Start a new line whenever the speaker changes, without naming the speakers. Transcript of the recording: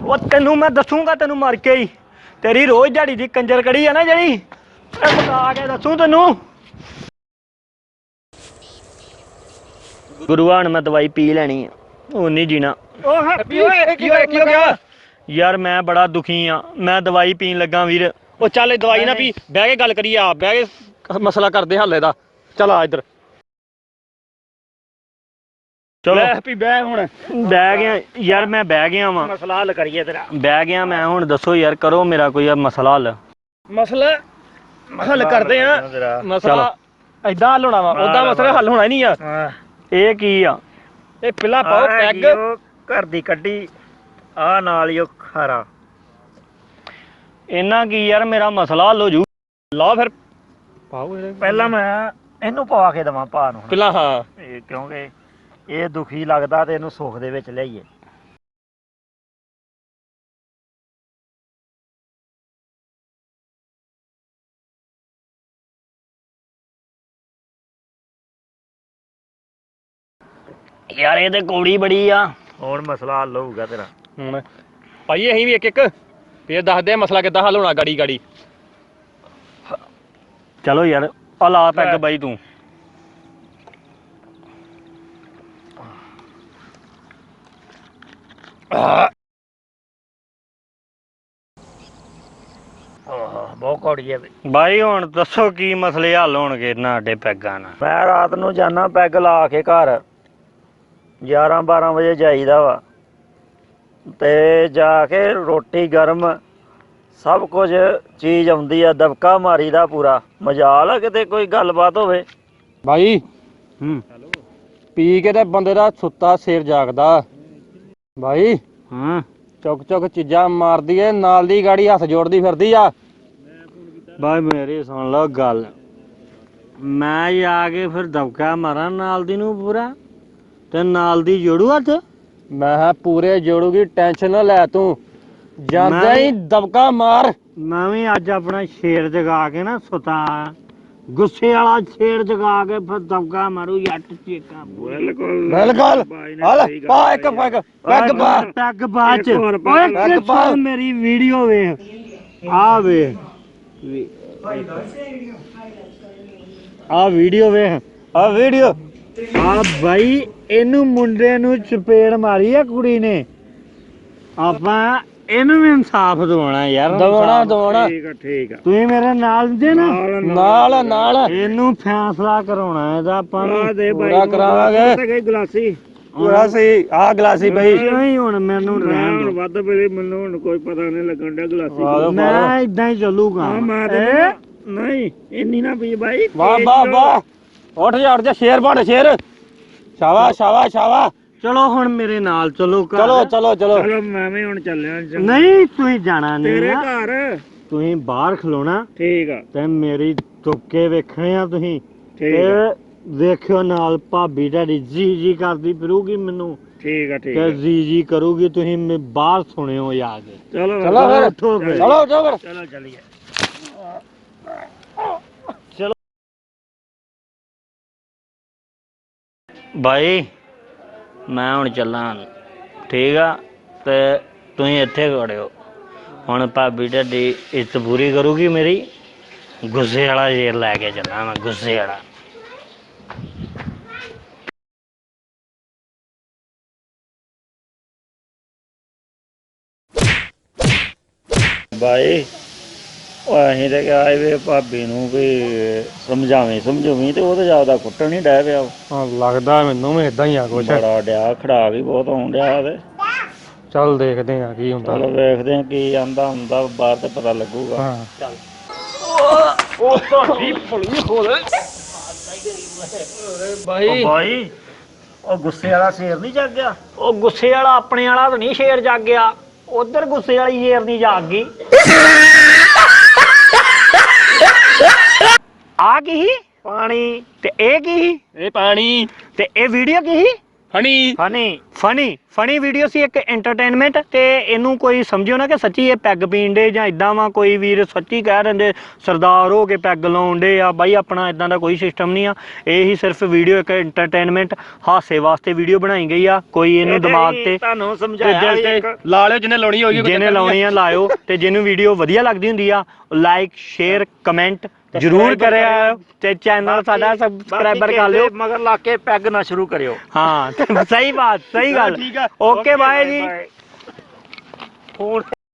ਉਹ ਤੈਨੂੰ ਮੈਂ ਦੱਸੂਗਾ ਤੈਨੂੰ ਮਰ ਕੇ ਹੀ ਤੇਰੀ ਰੋਜ਼ ਦਿਹਾੜੀ ਦੀ ਕੰਜਰ ਕੜੀ ਆ ਨਾ ਜਿਹੜੀ ਇਹ ਮੁਕਾ ਕੇ ਦੱਸੂ ਤੈਨੂੰ। ਗੁਰੂਆਣ ਮੈਂ ਦਵਾਈ ਪੀ ਲੈਣੀ ਆ ਉਹ ਨਹੀਂ ਜੀਣਾ।
ਉਹ ਹੈਪੀ ਓਏ ਕੀ ਹੋ ਗਿਆ
ਯਾਰ ਮੈਂ ਬੜਾ ਦੁਖੀ ਆ ਮੈਂ ਦਵਾਈ ਪੀਣ ਲੱਗਾ ਵੀਰ।
ਉਹ ਚੱਲ ਦਵਾਈ ਨਾ ਪੀ ਬਹਿ ਕੇ ਗੱਲ ਕਰੀਏ ਆ ਬਹਿ ਕੇ ਮਸਲਾ ਕਰਦੇ ਹੱਲ ਇਹਦਾ। ਚੱਲ ਆ ਇੱਧਰ
ਚਲੋ
ਹੈਪੀ ਬਹਿ ਹੁਣ
ਬਹਿ ਗਿਆ ਯਾਰ ਮੈਂ ਬਹਿ ਗਿਆ ਵਾਂ
ਮਸਲਾ ਹੱਲ ਕਰੀਏ ਤੇਰਾ।
ਬਹਿ ਗਿਆ ਮੈਂ ਹੁਣ ਦੱਸੋ ਯਾਰ ਕਰੋ ਮੇਰਾ ਕੋਈ ਮਸਲਾ ਹੱਲ।
ਮਸਲਾ ਹੱਲ ਕਰਦੇ ਆ ਮਸਲਾ ਏਦਾਂ ਹੱਲ ਹੋਣਾ ਵਾ ਉਦਾਂ ਮਸਲਾ ਹੱਲ ਹੋਣਾ ਹੀ ਨਹੀਂ ਆ।
ਇਹ ਕੀ ਆ
ਇਹ ਪਹਿਲਾਂ ਪਾਓ ਪੈਗ
ਘਰ ਦੀ ਕੱਢੀ ਆ ਨਾਲ ਹੀ ਉਹ ਖਾਰਾ ਇਹਨਾਂ ਕੀ ਯਾਰ ਮੇਰਾ ਮਸਲਾ ਹੱਲ ਹੋ ਜੂ।
ਲਾ ਫਿਰ ਪਾਓ
ਪਹਿਲਾਂ ਮੈਂ ਇਹਨੂੰ ਪਵਾ ਕੇ ਦੇਵਾਂ ਭਾ ਨੂੰ
ਪਹਿਲਾਂ ਹਾਂ
ਇਹ ਕਿਉਂਕਿ ਇਹ ਦੁਖੀ ਲੱਗਦਾ ਤੇ ਇਹਨੂੰ ਸੁੱਖ ਦੇ ਵਿੱਚ ਲਿਆਈਏ। ਯਾਰ ਇਹ ਤੇ ਕੌੜੀ ਬੜੀ ਆ ਹੁਣ ਮਸਲਾ ਹੱਲ ਹੋਊਗਾ ਤੇਰਾ।
ਹੁਣ ਭਾਈ ਅਸੀਂ ਵੀ ਇੱਕ ਇੱਕ ਫੇਰ ਦੱਸਦੇ ਆ ਮਸਲਾ ਕਿੱਦਾਂ ਹੱਲ ਹੋਣਾ ਗਾੜੀ ਗਾੜੀ।
ਚਲੋ ਯਾਰ ਆ ਲਾ ਪੈਗ ਬਾਈ ਤੂੰ। ਬਹੁਤ ਕੌੜੀ ਹੈ ਬਾਈ। ਹੁਣ ਦੱਸੋ ਕੀ ਮਸਲੇ ਹੱਲ ਹੋਣਗੇ ਸਾਡੇ ਪੈਗਾਂ ਨਾਲ। ਮੈਂ ਰਾਤ ਨੂੰ ਜਾਣਾ ਪੈਗ ਲਾ ਕੇ ਘਰ 11-12 ਵਜੇ ਜਾਈਦਾ ਵਾ ਤੇ ਜਾ ਕੇ ਰੋਟੀ ਗਰਮ ਸਭ ਕੁਝ ਚੀਜ਼ ਆਉਂਦੀ ਆ ਦਬਕਾ ਮਾਰੀਦਾ ਪੂਰਾ ਮਜਾਲ ਆ ਕਿਤੇ ਕੋਈ ਗੱਲਬਾਤ ਹੋਵੇ।
ਭਾਈ ਪੀ ਕੇ ਤੇ ਬੰਦੇ ਦਾ ਸੁੱਤਾ ਸਿਰ ਜਾਗਦਾ ਭਾਈ। ਚੁੱਕ ਚੁੱਕ ਚੀਜ਼ਾਂ ਮਾਰਦੀ ਏ ਨਾਲ ਦੀ ਗਾੜੀ ਹੱਥ ਜੋੜਦੀ ਫਿਰਦੀ ਆ।
ਬਾਈ ਮੇਰੀ ਸੁਣ ਲਓ ਗੱਲ ਮੈਂ ਜਾ ਕੇ ਫਿਰ ਦਬਕਾ ਮਾਰਾਂ ਨਾਲ ਦੀ ਨੂੰ ਪੂਰਾ ਤੇ ਨਾਲ ਦੀ ਜੋੜੂ ਹੱਥ।
ਮੈਂ ਕਿਹਾ ਪੂਰੇ ਜੋੜੂਗੀ ਟੈਨਸ਼ਨ ਨਾ ਲੈ ਤੂੰ ਜਾਂਦਾ ਹੀ ਦਬਕਾ ਮਾਰ।
ਮੈਂ ਵੀ ਅੱਜ ਆਪਣਾ ਸ਼ੇਰ ਜਗਾ ਕੇ ਨਾ ਸੁਤਾ ਗੁੱਸੇ ਵਾਲਾ ਸ਼ੇਰ ਜਗਾ ਕੇ ਫਿਰ ਦਬਕਾ ਮਾਰੂ ਜੱਟ ਚੀਕਾਂ।
ਬਿਲਕੁਲ ਹਲ ਪਾ ਇੱਕ ਪੈਗ ਪੈਗ ਪਾ
ਪੈਗ ਬਾਅਦ ਚ ਓਏ ਪਾ ਮੇਰੀ ਵੀਡੀਓ ਵੇਖ ਆ ਵੇਖ ਆ ਵੀਡੀਓ ਵੇਖ ਆ ਵੀਡੀਓ ਆ ਬਾਈ ਇਹਨੂੰ ਮੁੰਡੇ ਨੂੰ ਚਪੇੜ ਮਾਰੀ ਆ ਕੁੜੀ ਨੇ। ਆਪਾਂ ਇਹਨੂੰ ਵੀ ਇਨਸਾਫ ਦਿਵਾਉਣਾ ਯਾਰ।
ਦਵਾਉਣਾ
ਠੀਕ ਆ ਤੁਸੀਂ ਮੇਰੇ ਨਾਲ ਦੇ ਨਾ
ਨਾਲ
ਇਹਨੂੰ ਫੈਸਲਾ ਕਰਾਉਣਾ ਇਹਦਾ ਆਪਾਂ
ਪੂਰਾ ਕਰਾਵਾਂਗੇ। ਗਲਾਸੀ ਆ ਗਲਾਸੀ ਬਈ
ਨਹੀਂ ਹੁਣ ਮੈਨੂੰ ਰਹਿਣ ਦਿਓ।
ਵੱਧ ਪਏ ਮੈਨੂੰ ਹੁਣ ਕੋਈ ਪਤਾ ਨਹੀਂ ਲੱਗਣ ਡਿਆ ਗਲਾਸੀ
ਮੈਂ ਇਦਾਂ ਹੀ ਚੱਲੂਗਾ।
ਨਹੀਂ ਇੰਨੀ ਨਾ ਪੀ ਬਾਈ। ਵਾਹ ਵਾਹ ਵਾਹ ਉੱਠ ਜਾ ਸ਼ੇਰ ਬਣ ਸ਼ੇਰ। ਸ਼ਾਬਾਸ਼ ਸ਼ਾਬਾਸ਼ ਸ਼ਾਬਾਸ਼।
ਚਲੋ ਹੁਣ ਮੇਰੇ ਨਾਲ ਚਲੋ
ਚਲੋ
ਮੈਂ ਵੀ ਹੁਣ ਚੱਲਿਆ। ਨਹੀਂ ਤੁਸੀਂ ਜਾਣਾ ਨਹੀਂ
ਤੇਰੇ ਘਰ
ਤੁਸੀਂ ਬਾਹਰ ਖਲੋਣਾ
ਠੀਕ ਆ
ਤੇ ਮੇਰੀ ਤੁੱਕੇ ਵੇਖਣੇ ਆ ਤੁਸੀਂ ਤੇ ਵੇਖਿਓ ਨਾਲ ਭਾਬੀ ਤੁਹਾਡੀ ਜੀ ਕਰਦੀ ਫਿਰੂਗੀ ਮੈਨੂੰ।
ਠੀਕ ਆ
ਤੇ ਜੀ ਕਰੂਗੀ ਤੁਸੀਂ ਬਾਹਰ ਸੁਣਿਓ ਜਾ ਕੇ।
ਚਲੋ
ਚੱਲੀਏ। ਬਾਈ ਮੈਂ ਹੁਣ ਚੱਲਾਂ ਠੀਕ ਆ ਤੇ ਤੁਸੀਂ ਇੱਥੇ ਖੜਿਓ। ਹੁਣ ਭਾਬੀ ਤੁਹਾਡੀ ਇੱਜ਼ਤ ਪੂਰੀ ਕਰੂਗੀ ਮੇਰੀ। ਗੁੱਸੇ ਵਾਲਾ ਸ਼ੇਰ ਲੈ ਕੇ ਚੱਲਾਂ ਮੈਂ ਗੁੱਸੇ ਵਾਲਾ। ਬਾਈ ਅਸੀਂ ਤੇ ਕਿਹਾ ਵੇ ਭਾਬੀ ਨੂੰ ਵੀ ਸਮਝਾਵੀਂ ਤੇ ਉਹ ਤਾਂ ਜ਼ਿਆਦਾ ਕੁੱਟਣ ਨਹੀਂ ਡੈ ਪਿਆ।
ਲੱਗਦਾ ਮੈਨੂੰ ਵੀ ਇਦਾਂ ਹੀ ਆ ਕੁਛ
ਬੜਾ ਡਿਆ ਖੜਾ ਵੀ ਬਹੁਤ ਹੋਣ ਡਿਆ ਤੇ
ਚੱਲ ਦੇਖਦੇ ਆ ਕੀ ਹੁੰਦਾ।
ਚਲੋ ਵੇਖਦੇ ਆ ਕੀ ਆਂਦਾ ਹੁੰਦਾ ਬਾਹਰ ਤੇ ਪਤਾ ਲੱਗੂਗਾ।
ਚੱਲ ਉਹ ਤੁਹਾਡੀ ਭਲੀ ਹੋਲੇ
ਬਾਈ ਉਹ ਗੁੱਸੇ ਵਾਲਾ ਸ਼ੇਰ ਨਹੀਂ ਜਾਗ ਗਿਆ। ਉਹ ਗੁੱਸੇ ਵਾਲਾ ਆਪਣੇ ਵਾਲਾ ਤਾਂ ਨਹੀਂ ਸ਼ੇਰ ਜਾਗ ਗਿਆ ਉਧਰ ਗੁੱਸੇ ਵਾਲੀ ਸ਼ੇਰ ਨਹੀਂ ਜਾਗ ਗਈ। ਆ ਕੀ ਸੀ ਪਾਣੀ ਤੇ ਇਹ ਕੀ ਸੀ
ਇਹ ਪਾਣੀ
ਤੇ ਇਹ ਵੀਡੀਓ ਕੀ ਸੀ ਫਨੀ ਵੀਡੀਓ ਸੀ, ਇੱਕ ਐਂਟਰਟੇਨਮੈਂਟ। ਤੇ ਇਹਨੂੰ ਕੋਈ ਸਮਝਿਓ ਨਾ ਕਿ ਸੱਚੀ ਇਹ ਪੈਗ ਪੀਣ ਦੇ ਜਾਂ ਇਦਾਂ ਵਾ, ਕੋਈ ਵੀਰ ਸੱਚੀ ਕਹਿ ਰਹੇ ਸਰਦਾਰ ਹੋ ਕੇ ਪੈਗ ਲਾਉਣ ਦੇ ਆ ਬਾਈ, ਆਪਣਾ ਇਦਾਂ ਦਾ ਕੋਈ ਸਿਸਟਮ ਨਹੀਂ ਆ। ਇਹ ਹੀ ਸਿਰਫ ਵੀਡੀਓ ਇੱਕ ਐਂਟਰਟੇਨਮੈਂਟ ਹਾਸੇ ਵਾਸਤੇ ਵੀਡੀਓ ਬਣਾਈ ਗਈ ਆ। ਕੋਈ ਇਹਨੂੰ ਦਿਮਾਗ ਤੇ
ਤੁਹਾਨੂੰ ਸਮਝਾਇਆ ਲਾ ਲਿਓ, ਜਿਹਨੇ ਲਾਉਣੀ ਹੋਗੀ
ਜਿਹਨੇ ਲਾਉਣੀ ਆ ਲਾਇਓ। ਤੇ ਜਿਹਨੂੰ ਵੀਡੀਓ ਵਧੀਆ ਲੱਗਦੀ ਹੁੰਦੀ ਆ ਲਾਈਕ ਸ਼ੇਅਰ ਕਮੈਂਟ ਜ਼ਰੂਰ ਕਰਿਆ, ਤੇ ਚੈਨਲ ਸਾਡਾ ਸਬਸਕ੍ਰਾਈਬਰ ਕਰ ਲਿਓ,
ਮਗਰ ਲਾ ਕੇ ਪੈਗ ਨਾ ਸ਼ੁਰੂ ਕਰਿਓ।
ਹਾਂ ਸਹੀ ਬਾਤ, ਸਹੀ ਗੱਲ। ਓਕੇ ਬਾਏ ਜੀ।